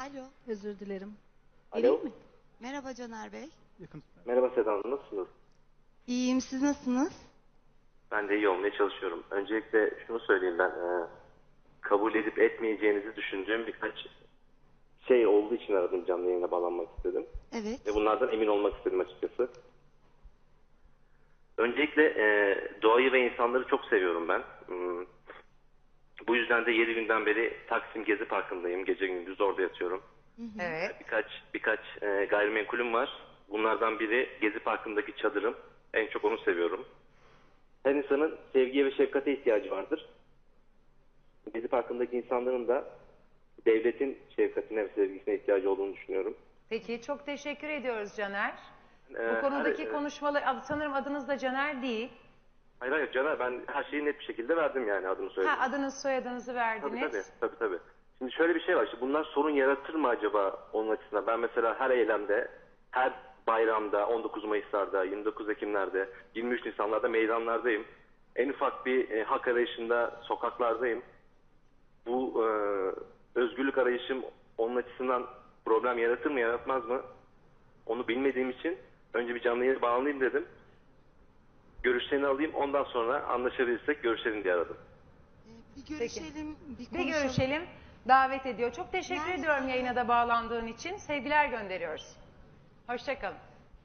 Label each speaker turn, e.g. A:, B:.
A: Alo.
B: Özür dilerim.
C: Alo.
B: Vereyim mi?
A: Merhaba Caner Bey.
C: Merhaba Seda Hanım, nasılsınız?
A: İyiyim, siz nasılsınız?
C: Ben de iyi olmaya çalışıyorum. Öncelikle şunu söyleyeyim ben. Kabul edip etmeyeceğinizi düşündüğüm birkaç şey olduğu için aradım, canlı yayına bağlanmak istedim.
A: Evet.
C: Ve bunlardan emin olmak istedim açıkçası. Öncelikle doğayı ve insanları çok seviyorum ben. Bu yüzden de 7 günden beri Taksim Gezi Parkı'ndayım. Gece gündüz orada yatıyorum.
D: Evet.
C: Birkaç gayrimenkulüm var. Bunlardan biri Gezi Parkı'ndaki çadırım. En çok onu seviyorum. Her insanın sevgiye ve şefkate ihtiyacı vardır. Gezi Parkı'ndaki insanların da devletin şefkatine ve sevgisine ihtiyacı olduğunu düşünüyorum.
D: Peki çok teşekkür ediyoruz Caner.
C: Ee,
D: Bu konudaki
C: her-
D: konuşmalar, sanırım adınız da Caner değil.
C: Hayır Caner, ben her şeyi net bir şekilde verdim, yani adını söyledim.
D: Adınız soyadınızı verdiniz.
C: Tabii. Şimdi şöyle bir şey var. Şimdi bunlar sorun yaratır mı acaba onun açısından? Ben mesela her eylemde, her bayramda, 19 Mayıs'larda, 29 Ekim'lerde, 23 Nisan'larda meydanlardayım. En ufak bir hak arayışında sokaklardayım. Bu özgürlük arayışım onun açısından problem yaratır mı yaratmaz mı? Onu bilmediğim için önce bir canlı yayına bağlanayım dedim. Görüşlerini alayım, ondan sonra anlaşabilirsek görüşelim diye aradım.
A: Bir görüşelim, bir
D: Bir
A: konuşalım.
D: görüşelim. Davet ediyor. Çok teşekkür
A: Nerede?
D: ediyorum yayına da bağlandığın için. Sevgiler gönderiyoruz. Hoşça kalın.